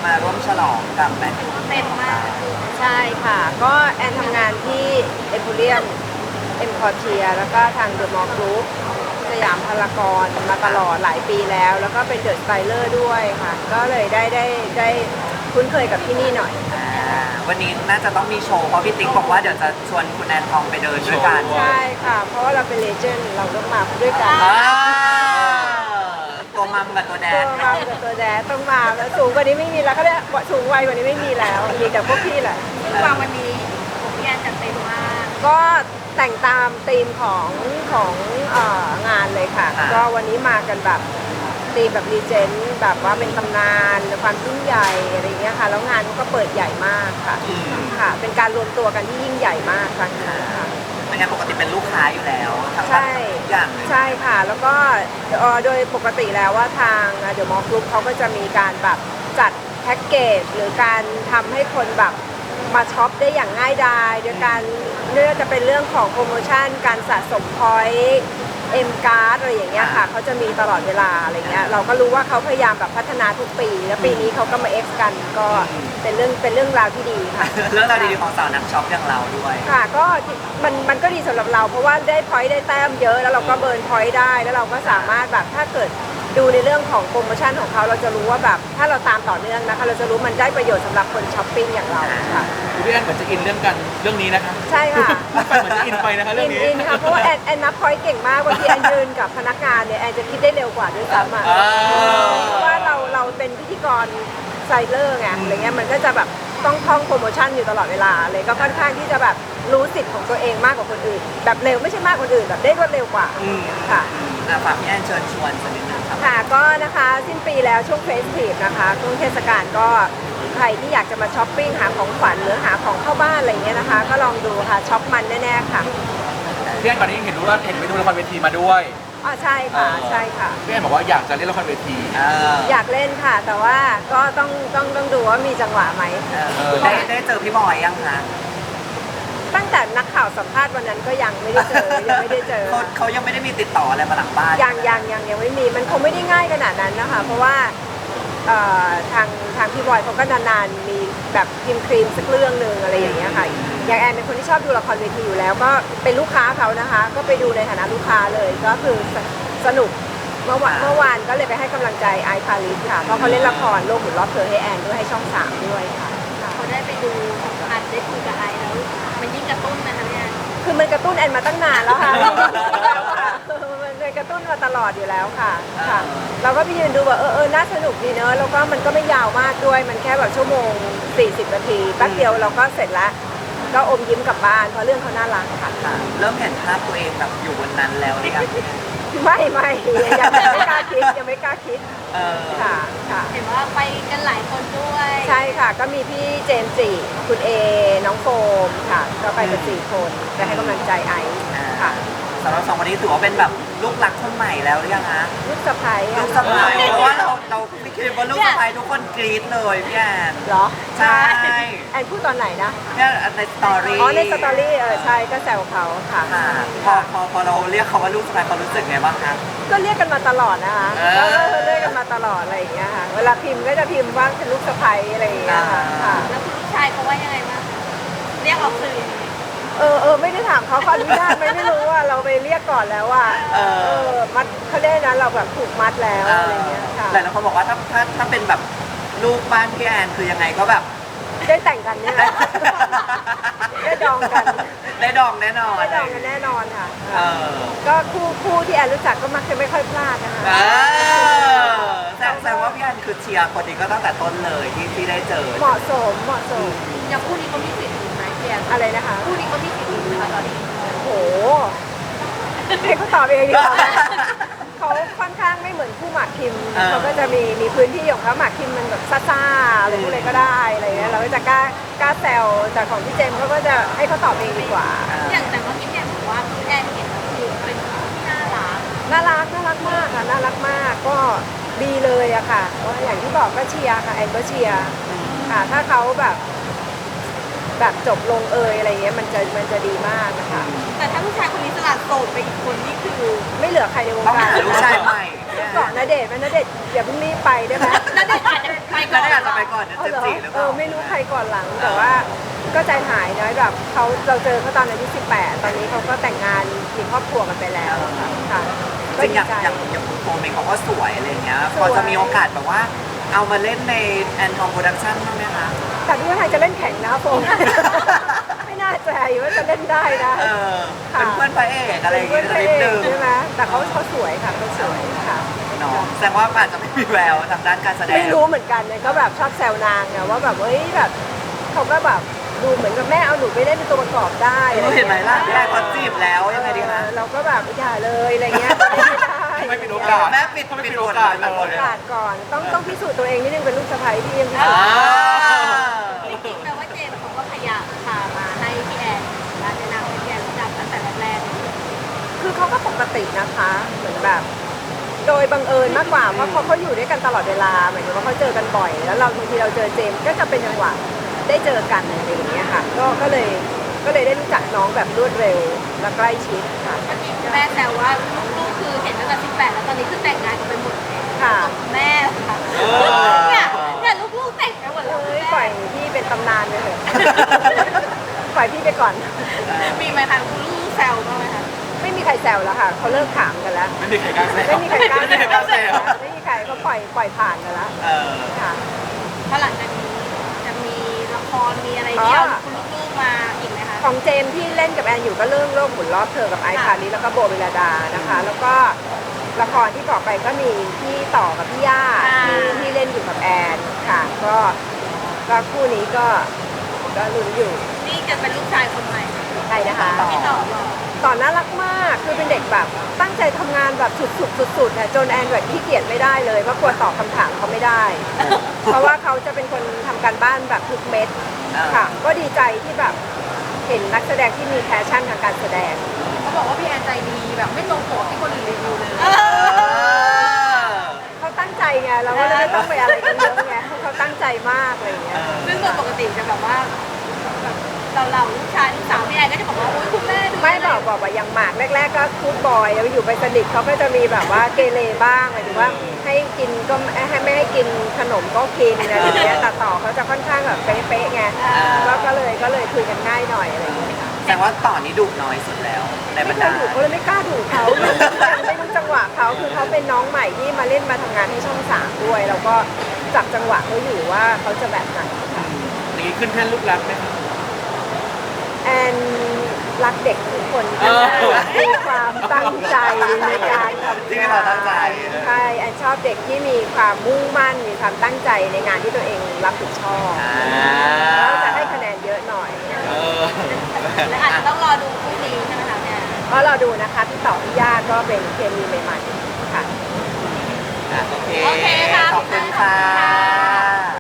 มาร่วมฉลองกับแมนยูเต็มมากใช่ค่ะก็แอนทำงานที่เอ็มโพเรียมเอ็มคอเทียแล้วก็ทางเดอะมอลล์กรุ๊ปสยามพารากอนมาตลอดหลายปีแล้วก็เป็นเดอะสไตเลอร์ด้วยค่ะก็เลยได้คุ้นเคยกับที่นี่หน่อยวันนี้น่าจะต้องมีโชว์เพราะพี่ติ๊กบอกว่าเดี๋ยวจะชวนคุณแอนทองไปเดินด้วยกันใช่ค่ะเพราะว่าเราเป็นเลเจนด์เราต้องมาด้วยกันตัวมัมกับตัวแดดตัวมัมกับตัวแดดต้องมาแล้วสูงกว่านี้ไม่มีแล้วเขาเรียกสูงวัยกว่านี้ไม่มีแล้วมีแต่พวกพี่แหละวางวันนี้ผมพี่แอนจัดเต็มมากก็แต่งตามธีมของงานเลยค่ะก็วันนี้มากันแบบธีมแบบรีเจนต์แบบว่าเป็นตำนานความยิ่งใหญ่อะไรเงี้ยค่ะแล้วงานก็เปิดใหญ่มากค่ะค่ะเป็นการรวมตัวกันที่ยิ่งใหญ่มากครั้งนี้ค่ะเป็นงานปกติเป็นลูกค้าอยู่แล้วทั้งอย่างใช่ค่ะแล้วก็โดยปกติแล้วว่าทางเดอะมอลล์กรุ๊ปเขาก็จะมีการแบบจัดแพ็กเกจหรือการทำให้คนแบบมาช็อปได้อย่างง่ายดายโดยการเรื่องจะเป็นเรื่องของโปรโมชั่นการสะสมพอยต์เอ็มการ์ดอะไรอย่างเงี้ยค่ะเขาจะมีตลอดเวลาอะไรเงี้ยเราก็รู้ว่าเขาพยายามแบบพัฒนาทุกปีแล้วปีนี้เขาก็มาเอ็กซ์กันก็เป็นเรื่องราวที่ดีค่ะเรื่องราวดีๆของสาวนักช็อปอย่างเราด้วยค่ะก็มันก็ดีสำหรับเราเพราะว่าได้พอยต์ได้แต้มเยอะแล้วเราก็เบิร์นพอยต์ได้แล้วเราก็สามารถแบบถ้าเกิดดูในเรื่องของโปรโมชั่นของเขาเราจะรู้ว่าแบบถ้าเราตามต่อเนื่องนะคะเราจะรู้มันได้ประโยชน์สำหรับคนช้อปปิ้งอย่างเราค่ะพี่แอนเหมือนจะอินเรื่องนี้นะคะใช่ค่ะเหมือนจะอินไปนะคะเรื่องนี้อินค่ะเพราะว่าแอนนับพอยต์เก่งมากบางทีแอนยืนกับพนักงานเนี่ยแอนจะคิดได้เร็วกว่าด้วยซ้ำเพราะว่าเราเป็นพิธีกรไซเลอร์ไงอะไรเงี้ยมันก็จะแบบต้องท่องโปรโมชั่นอยู่ตลอดเวลาเลยก็ค่อนข้างที่จะแบบรู้สิทธิ์ของตัวเองมากกว่าคนอื่นแบบเร็วไม่ใช่มากกว่าคนอื่นแบบได้รวดเร็วกว่าค่ะฝากพี่แอนเชิญชวนสักนิดนึงครับค่ะก็นะคะสิ้นปีแล้วช่วงเฟสทีฟนะคะช่วงเทศกาลก็ใครที่อยากจะมาช้อปปิ้งหาของขวัญหรือหาของเข้าบ้านอะไรเงี้ยนะคะก็ลองดูค่ะช็อปมันแน่ๆค่ะพี่แอนก่อนนี้เห็นไปดูละครเวทีมาด้วยใช่ค่ะใช่ค่ะพี่แอนบอกว่าอยากจะเล่นละครเวทีอยากเล่นค่ะแต่ว่าก็ต้องดูว่ามีจังหวะไหมได้เจอพี่บอยยังคะตั้งแต่นักข่าวสัมภาษณ์วันนั้นก็ยังไม่ได้เจอเขายังไม่ได้มีติดต่ออะไรมาหลังบ้านยังไม่มีมันคงไม่ได้ง่ายขนาดนั้นนะคะเพราะว่าทางพี่บอยเขาก็นานๆมีแบบพิมพ์ครีมสักเรื่องหนึ่งอะไรอย่างเงี้ยค่ะอย่างแอนเป็นคนที่ชอบดูละครเวทีอยู่แล้วก็เป็นลูกค้าเขานะคะก็ไปดูในฐานะลูกค้าเลยก็คือสนุกเมื่อวานก็เลยไปให้กำลังใจไอซ์พาริสค่ะเพราะเขาเล่นละครโลกหมุนรอบเธอให้แอนด้วยให้ช่อง3ด้วยค่ะเขาได้ไปดูอัดได้คุยกับไอซ์แล้วมันยิ่งกระตุ้นนะคะเนี่ยคือมันกระตุ้นแอนมาตั้งนานแล้วค่ะมันกระตุ้นมาตลอดอยู่แล้วค่ะเราก็ไปยืนดูว่าน่าสนุกดีเนอะแล้วก็มันก็ไม่ยาวมากด้วยมันแค่แบบชั่วโมง40 นาทีแป๊บเดียวเราก็เสร็จแล้วก็อมยิ้มกลับบ้านเพราะเรื่องเขาน่ารักค่ะเริ่มเห็นภาพตัวเองแบบอยู่บนนั้นแล้วหรือยังไม่ยังไม่กล้าคิดค่ะเห็นว่าไปกันหลายคนด้วยใช่ค่ะก็มีพี่เจมส์จีคุณเอน้องโฟมค่ะก็ไปกัน4 คนไปให้กำลังใจไอซ์ค่ะสำหรับ2 คนนี้ถือว่าเป็นแบบลูกรักคนใหม่แล้วหรือยังคะลูกสะใภ้เพราะว่าเราไม่คิดว่าลูกสะใภ้ทุกคนกรี๊ดเลยพี่แอนเหรอใช่แอนพูดตอนไหนนะเนี่ยในสตอรี่ในสตอรี่ใช่ก็แซวเขาค่ะพอเราเรียกเขาว่าลูกสะใภ้เขารู้สึกไงบ้างคะก็เรียกกันมาตลอดนะคะเรียกกันมาตลอดอะไรอย่างเงี้ยค่ะเวลาพิมพ์ก็จะพิมพ์ว่าเป็นลูกสะใภ้อะไรอย่างเงี้ยค่ะแล้วคุณลูกชายเขาว่ายังไงบ้างเรียกออกสื่อไม่ได้ถามเขาอนุญาตไม่รู้ว่าเราไปเรียกก่อนแล้วว่ามัดเขาได้นะเราแบบถูกมัดแล้วอะไรเงี้ยค่ะหลายคนบอกว่าถ้าเป็นแบบลูกบ้านพี่แอนคือยังไงก็แบบได้แต่งกันเนี่ยได้ดองกันได้ดองแน่นอนได้ดองกันแน่นอนค่ะก็คู่ที่แอนรู้จักก็มักจะไม่ค่อยพลาดนะคะแสดงว่าพี่แอนคือเชียร์คนนี้ก็ตั้งแต่ต้นเลยที่ได้เจอเหมาะสมอย่างคู่นี้เขามีสิทธิ์ไหมพี่แอนอะไรนะคะคู่นี้เขามีสิทธิ์ไหมคะตอนนี้โหให้เขาตอบเองดีกว่าเขาค่อนข้างไม่เหมือนคู่หมากคิมเขาก็จะมีพื้นที่ของเขาหมากคิมมันแบบซ่าๆอะไรพวกอะไรก็ได้อะไรเงี้ยเราก็จะกล้าแซวแต่ของพี่เจมส์เขาก็จะให้เขาตอบเองดีกว่าอย่างแต่ว่าพี่แอนบอกว่าพี่แอนเห็นคือเป็นที่น่ารักมากค่ะน่ารักมากก็ดีเลยอะค่ะว่าอย่างที่บอกก็เชียร์ค่ะแอนก็เชียร์ค่ะถ้าเขาแบบจบลงอะไรเงี้ยมันจะดีมากนะคะแต่ถ้าผู้ชายคนนี้สลัดโสดไปอีกคนนี่คือไม่เหลือใครในวงการลูกชายใหม่เกาะณเดชน์ไหมณเดชน์อย่าเพิ่งรีบไปได้ไหมแล้วเด็กอาจจะไปก่แล้อวน ได้อาจจะไปก่อนเดือนเอาเหรอ 14หรือเปเอล่าอไม่รู้ใครก่อนหลังแต่ว่าก็ใจหายนะแบบเราเจอเขาตอนอายุ18ตอนนี้เขาก็แต่งงานมีครอบครัวกันไปแล้วค่ะจก็ริงดีอย่างใจอย่างคุณโฟมเองเขาก็สวยอะไรเงี้ยสพวยอจะมีโอกาสแบบว่า เอามาเล่นในแอนทองโปรดักชั่นบ้างไหมคะแต่ดูว่าไทยจะเล่นแข่งนะโฟม ไม่น่าใจว่าจะเล่นได้นะเออเป็นเพื่อนพระเอกอะไรอย่างเพื่เงี้อนยพระนิดเอนึกงใช่ไหมแต่เขาสวยค่ะเขาสวยค่ะเนาะแสดงว่าอาจจะไม่มีแววทางด้านการแสดงไม่รู้เหมือนกันเลยก็แบบชอบแซวนางไงว่าแบบเฮ้ยแบบเขาก็แบบดูเหมือนกับแม่เอาหนูไปเล่นเป็นตัวประกอบได้อะไรเห็นไหมงี้ยล่ะพี่แอนเขาจีบแล้วยังไงดีคะเราก็แบบอย่าเลยอะไรเงี้ยไม่ได้ไม่เป็นโอกาสแม่ปิดทำไมปิดเป็นโอโอกากาสสเลแบบโอย กาสก่อนต้องพิสูจน์ตัวเองนิดนึงเป็นลูกสะใภ้ที่ยังพิสูจอ่าน์จริงๆแปลว่าเจมส์เขาก็พยายามพามาให้พี่แอนร้านแนะนำให้พี่แอนรู้จักตั้งแต่แรกๆคือเขาก็ปกตินะคะเหมือนแบบ โดยบังเอิญมากกว่าเพราะเขาอยู่ด้วยกันตลอดเวลาหมายถึงว่าเขาเจอกันบ่อย แล้วเราบางทีเราเจอเจมส์ก็จะเป็นจังหวะได้เจอกันอะไรอย่างเงี้ยค่ะก็เลยได้รู้จักน้องแบบรวดเร็วและใกล้ชิดค่ะเมื่อกี้แม่แซวว่าลูกๆคือเห็นตั้งแต่18แล้วตอนนี้คือแต่งงานกันไปหมดแล้วค่ะแม่ค่ะเออเนี่ยลูกๆแต่งไปหมดแล้วเอ้ยปล่อยพี่เป็นตำนานไปเถอะ ปล่อยพี่ไปก่อนมีไหมคะคุณลูกแซวบ้างไหมคะไม่มีใครแซวแล้วค่ะเขาเลิกถามกันแล้วไม่มีใครกล้าแซวไม่มีใครกล้าไม่มีใครกล้าแซวไม่มีใครเขาปล่อยผ่านกันแล้วเออค่ะเพราะหลังจากนี้จะมีละครมีอะไรที่เอาคุณลูกๆมาอีกไหมคะของเจมส์ที่เล่นกับแอนอยู่ก็เรื่องโลกหมุนรอบเธอกับไอซ์พาริสแล้วก็โบเวลาดานะคะ แล้วก็ละครที่บอกไปก็มีพี่ต่อกับพี่ย่าที่เล่นอยู่กับแอนค่ะ ก็คู่นี้ก็ลุ้นอยู่นี่จะเป็นลูกชายคนใหม่ใครนะคะพี่ต่อบอกต่อน่ารักมากคือเป็นเด็กแบบตั้งใจทำงานแบบสุดๆเนี่ยจนแอนแบบขี้เกียจไม่ได้เลยเพราะกลัวตอบคำถามเขาไม่ได้ เพราะว่าเขาจะเป็นคนทำการบ้านแบบทุกเม็ดค่ะ ก็ดีใจที่แบบเห็นนักแสดงที่มีแพชชั่นทางการแสดงเขาบอกว่าพี่แอนใจดีแบบไม่ตรงปกที่คนอื่นรีวิวเลยเขาตั้งใจไงเราก็เลยไม่ต้องไปอะไรกันเยอะไงเขาตั้งใจมากอะไรอย่างเงี้ยซึ่งโดยปกติจะแบบว่าแบบเราลูกชายลูกสาวพี่แอนก็จะบอกว่าโอ๊ยคุณแม่ดูไม่บอกว่าอย่างหมากแรกๆก็คูดบอยแล้วอยู่ไปสนิทเขาก็จะมีแบบว่าเกเรบ้างหมายถึงว่าให้กินก็ไม่ให้กินขนมก็กินอะไรอย่างเงี้ยแต่ต่อเขาจะค่อนข้างแบบเป๊ะๆไงก็เลยคุยกันง่ายหน่อยอะไรอย่างเงี้ยแสดงว่าต่อนนี้ดุน้อยสุดแล้วในบรไม่รเคดายดุเขาเลยไม่กล้าดุเขาไม่รู้จังหวะเขาคือเขาเป็นน้องใหม่ที่มาเล่นมาทำงานให้ช่อง3ด้วยแล้วก็จับจังหวะเขาอยู่ว่าเขาจะแบบไหนค่ะอย่างนี้ขึ้นแท่นลูกรักไหมครับแอนรักเด็กทุกคนเออมีความตั้งใจในการทำที่มีความตั้งใจใช่แอนชอบเด็กที่มีความมุ่งมั่นมีความตั้งใจในงานที่ตัวเองรับผิดชอบแล้วจะให้คะแนนเยอะหน่อยเออและอาจจะต้องรอดูคู่นี้ใช่ไหมคะเนี่ยก็เราดูนะคะพี่ต่อพี่ย่าก็เป็นเคมีใหม่ๆค่ะโอเคโอเคค่ะขอบคุณค่ะ